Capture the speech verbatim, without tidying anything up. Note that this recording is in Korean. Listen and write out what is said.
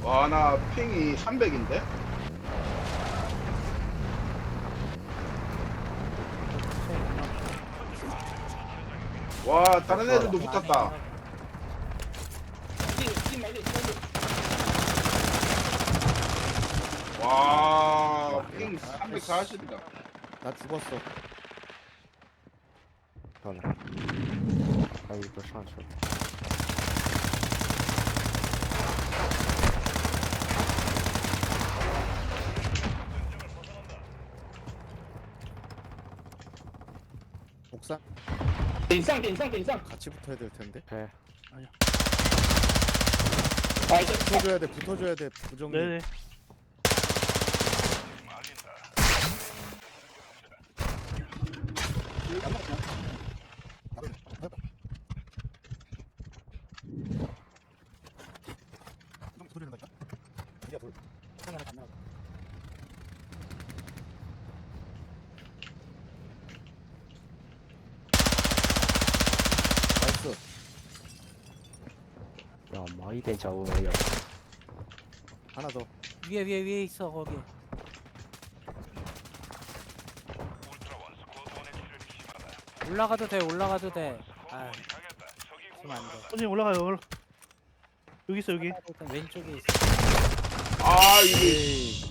와, 나 핑이 삼백인데? 와, 다른 애들도 붙었다. 와, 핑 삼백사십이다. 나 죽었어. 漂亮，还有一个上去了。 옥상 顶上顶上顶上， 같이 붙어야 될 텐데. 哎， 啊，这 붙어줘야 돼. 붙어줘야 돼. 부정리. 네네. 나이스. 要毛一点脚步没有。 하나 더. 위에 위에 위에 있어 거기. 올라가도 돼 올라가도 돼. 아, 지금 안 돼. 선생님 올라가요. 올라- 여기 있어 여기. 일단 왼쪽에 있어. 아, 이게 에이.